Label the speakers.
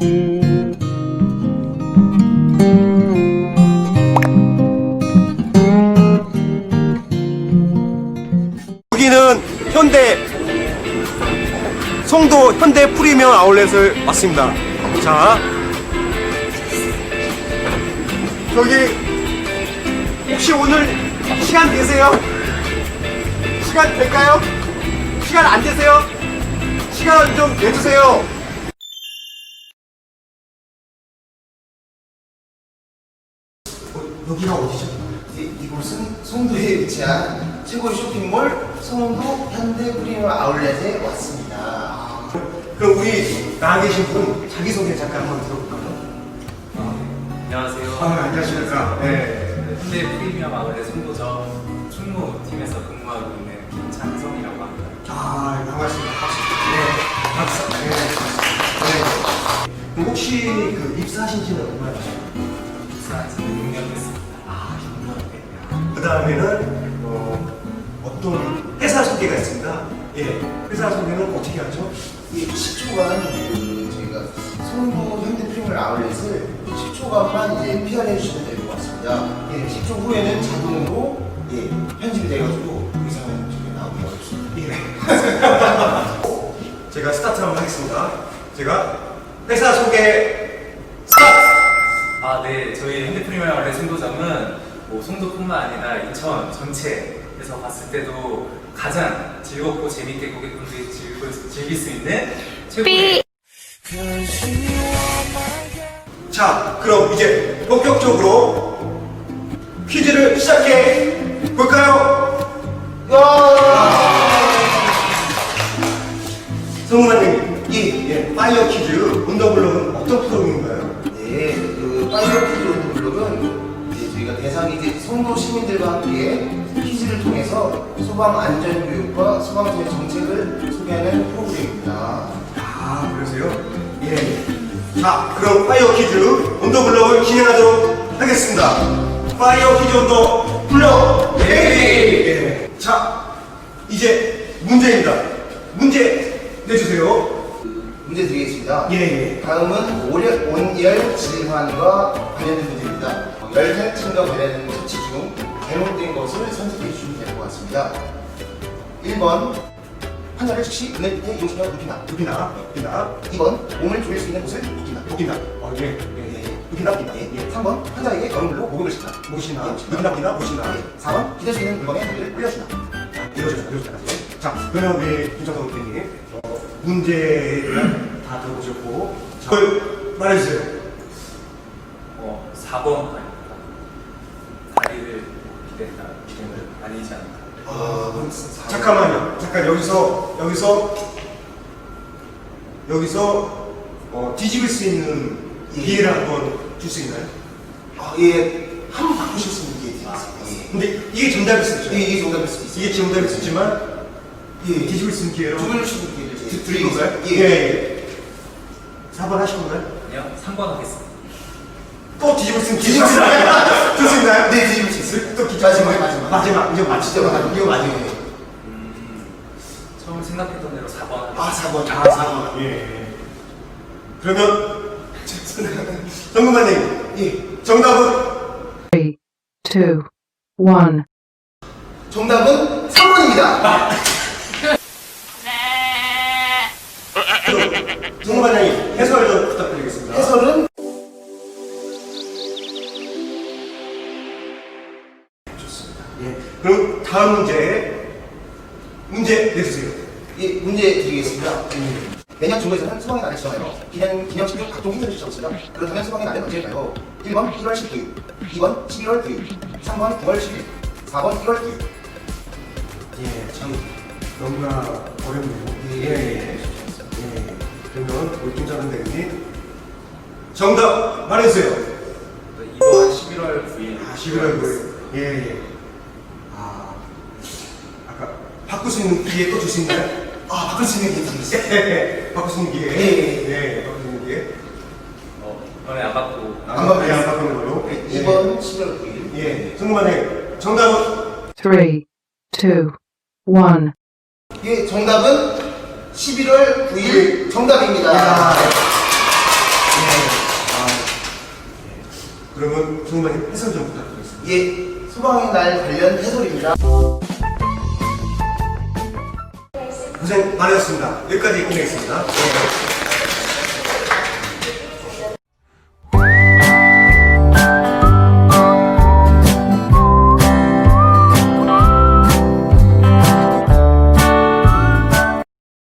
Speaker 1: 여기는 송도 현대 프리미엄 아울렛을 왔습니다. 자, 저기 혹시 오늘 시간 되세요? 시간 될까요? 시간 안 되세요? 시간 좀 내주세요. 여기가 어디죠?
Speaker 2: 이곳은 송도에 위치한 최고의 쇼핑몰 송도 현대 프리미엄 아울렛에 왔습니다.
Speaker 1: 그럼 우리 나와 계신 분 자기소개 잠깐 한번 들어볼까요?
Speaker 3: 안녕하세요.
Speaker 1: 안녕하십니까. 네.
Speaker 3: 현대 프리미엄 아울렛 송도점 충무팀에서 근무하고 있는 김찬성이라고 합니다.
Speaker 1: 반갑습니다. 박수. 네, 박수. 네. 그럼 혹시 그 입사하신 지는 얼마나 되셨나요?
Speaker 3: 입사한 지는 6년 됐습니다.
Speaker 1: 6년. 그 다음에는 어떤 회사 소개가 있습니다. 예. 회사 소개는 어떻게 하죠?
Speaker 2: 이 10초간 저희가 송도 현대 프리미엄 아울렛을 10초간만 이제 PR해 주시면 될 것 같습니다. 10초 후에는 자동으로 편집이 돼가지고 그 이상은 저희 나오기 어렵습니다.
Speaker 1: 제가 스타트 한번 하겠습니다. 제가 회사 소개 스타트!
Speaker 3: 네. 저희 현대 프리미엄 아울렛 송도점은 송도뿐만 아니라 인천 전체에서 봤을 때도 가장 즐겁고 재밌게 고객분들이 즐길 수 있는 최고의
Speaker 1: 자, 그럼 이제 본격적으로 퀴즈를 시작해 볼까요? 성우관님, 파이어 퀴즈 온더블럭은 어떤 프로그램인가요?
Speaker 2: 네, 그 파이어 퀴즈 온더블럭은 이제 저희가 대상이 이제 송도 시민들과 함께 퀴즈를 통해서 소방 안전 교육과 소방서의 정책을 소개하는 프로그램입니다.
Speaker 1: 그러세요? 예. 자, 그럼 파이어 퀴즈 온더블럭을 진행하도록 하겠습니다. 파이어 퀴즈 온더블럭 예. 자, 이제 문제입니다. 문제 내주세요.
Speaker 2: 문제 드리겠습니다.
Speaker 1: 예.
Speaker 2: 다음은 온열 질환과 관련된 문제입니다. 열 탈진과 관련된 처치 중 잘못된 것을 선택해 주시면 될 것 같습니다. 1번 환자를 즉시 그늘 밑에 이용시켜 눕힌다. 2번 몸을 조일 수 있는 곳을 눕힌다. 눕힌다. 3번 환자에게 얼음 물로 목욕을 시킨다. 눕힌다. 4번 기댈 수 있는 물건에 머리를 올려준다.
Speaker 1: 이러셨다. 자, 그러면 우리 김정성 대표님 문제를 다 들어보셨고, 자, 말해주세요.
Speaker 3: 4번 아닙니까? 다리를 기댄다. 아니지 않을까?
Speaker 1: 잠깐만요. 잠깐 여기서 뒤집을 수 있는 기회를 한번 줄 수 있나요?
Speaker 2: 한번 바꾸실 수 있는 기회 드리겠습니다.
Speaker 1: 근데 이게 정답일 수 있죠?
Speaker 2: 이게 정답일 수도 있어요.
Speaker 1: 이게 정답일 수 있지만 뒤집을 수 있는 기회로
Speaker 2: 두 분을 주는 기회를
Speaker 1: 드린 건가요?
Speaker 2: 예.
Speaker 1: 4번 하신 건가요?
Speaker 3: 아니요, 3번 하겠습니다.
Speaker 1: 또 뒤집을 수 있는 기회 줄 수 있나요?
Speaker 2: 네, 뒤집을 수 있어요.
Speaker 1: 또 마지막. 이거 맞히죠? 이거 맞아요.
Speaker 3: 처음 생각했던 대로 4번 하겠습니다.
Speaker 2: 4번.
Speaker 1: 예. 그러면 정근관님, 정답은
Speaker 4: 3, 2, 1.
Speaker 2: 정답은 3번입니다.
Speaker 1: 정근관님 해설 좀 부탁드리겠습니다.
Speaker 2: 해설은
Speaker 1: 그럼 다음 문제 내주세요.
Speaker 2: 문제 드리겠습니다. 매년 중국에서는 소방의 날을 지정하여 기념식 등 각종 행사를 시작했습니다. 그렇다면 소방의 날은 언제일까요? 1번 1월 19일, 2번 11월 9일, 3번 9월 10일, 4번 1월 9일.
Speaker 1: 참 너무나 어렵네요. 그러면 우리 김정근 대표님 정답 말해주세요.
Speaker 3: 2번 11월 9일.
Speaker 1: 11월 9일. 아까 바꿀 수 있는 기회 또 줄 수 있나요?
Speaker 2: 바꿀 수 있는 기회 드리겠습니다.
Speaker 1: 바꿀 수 있는 기회.
Speaker 2: 예.
Speaker 1: 바꿀 수 있는 기회.
Speaker 3: 이번에 안 받고.
Speaker 2: 안 바꾸겠습니다.
Speaker 1: 안 바꾸는 걸로.
Speaker 2: 2번 11월 9일.
Speaker 1: 정근관님 정답은
Speaker 4: 3, 2, 1.
Speaker 2: 정답은 11월 9일 정답입니다.
Speaker 1: 정말 해설 좀 부탁드리겠습니다.
Speaker 2: 예, 소방의 날 관련 해설입니다.
Speaker 1: 고생 많으셨습니다. 여기까지 끝내겠습니다.
Speaker 2: 네.